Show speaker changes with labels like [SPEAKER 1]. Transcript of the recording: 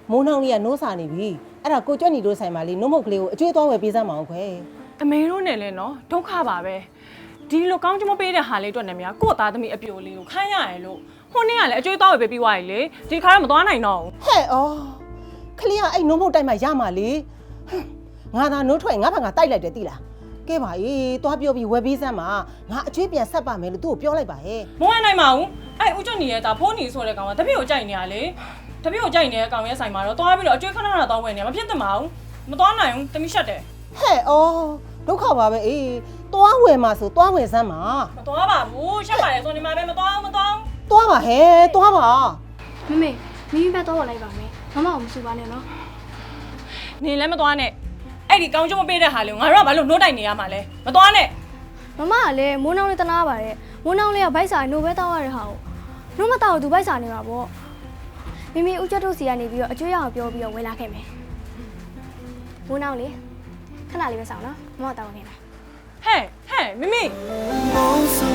[SPEAKER 1] မိုးနှောင်းလေးကနိုးစာနေပြီအဲ့ဒါကိုကြွက်ညီတို့ဆိုင်မှာလေနှုတ်မုတ်ကလေးကိုအကျွေးသွားဝယ်ပေးစမ်းမအောင်ခွဲ
[SPEAKER 2] အမေတို့နဲ့လဲနော်ဒုက္ခပါပဲဒီလိုကောင်းချမပေးတဲ့ဟာလေးအတွက်နဲ့များကို့သားသမီးအပြိုလေးကိုခိုင်းရရလို့ဟိုနေ့ကလည်းအကျွေးသွားဝယ်ပေးပြီးွားရီလေဒီခါတော့မသွားနိုင်တော့ဘူး
[SPEAKER 1] ဟဲ့အော်ခလေးကအဲ့နှုတ်မုတ်တိုက်မှရမှာလေငါသာနှုတ်ထွက်ငါဘာငါတိုက်လိုက်တယ်သိလားကဲပါအေးသွားပြောပြီးဝယ်ပေးစမ်းပါငါအကျွေးပြန်ဆက်ပါမယ်လို့သူ့ကိုပြောလိုက်ပါဟဲ့
[SPEAKER 2] မဝင်နိုင်ပါဘူးအဲ့ဦးကျွတ်ညီရဲ့ဒါဖိုးညီဆိုတဲ့ကောင်ကတပည့်ကိုကြိုက်နေရလေတပည့်ကိုကြိုက်နေတဲ့ကောင်ရဲ့ဆိုင်မှာတော့သွားပြီးတော့အကျွေးခဏခဏသွားဝယ်နေမဖြစ်သင့်ပါဘူးမသွားနိုင်ဘူးတမီးရှက်တယ်
[SPEAKER 1] ဟဲ့အော်ဒုက္ခပါပဲအေးသွားဝယ်မှာဆိုသွားဝယ်စမ်းပါ
[SPEAKER 2] မသွားပါဘူးရှက်ပါတယ်ဆိုနေမှာပဲမသွားဘူး
[SPEAKER 1] သွားပါဟဲ့သွားပါ
[SPEAKER 3] မမေမိဘတော့လိုက်ပါမယ်မမအောင်မစူပါနဲ့နော်
[SPEAKER 2] နေလည်းမသွားနဲ့အဲ့ဒီကောင်းချမပေးတဲ့ဟာလေးကိုငါတို့ကဘာလို့နှိုးတိုက်နေရမှာလဲမသွားနဲ့
[SPEAKER 3] မမကလည်းမိုးနှောင်းလေးတနာပါတယ်မိုးနှောင်းလေးကဗိုက်စာနိုးပဲတောက်ရတဲ့ဟာကိုနှုတ်မတောက်သူဗိုက်စာနေမှာပေါ့မိမိဦးကျွတ်တို့စီကနေပြီးတော့အကျွေးရအောင်ပြောပြီးတော့ဝင်လာခဲ့မယ်မိုးနှောင်းလေးခဏလေးပဲစောင့်နော်မမတောက်နေလား
[SPEAKER 2] ဟဲ့မိမိ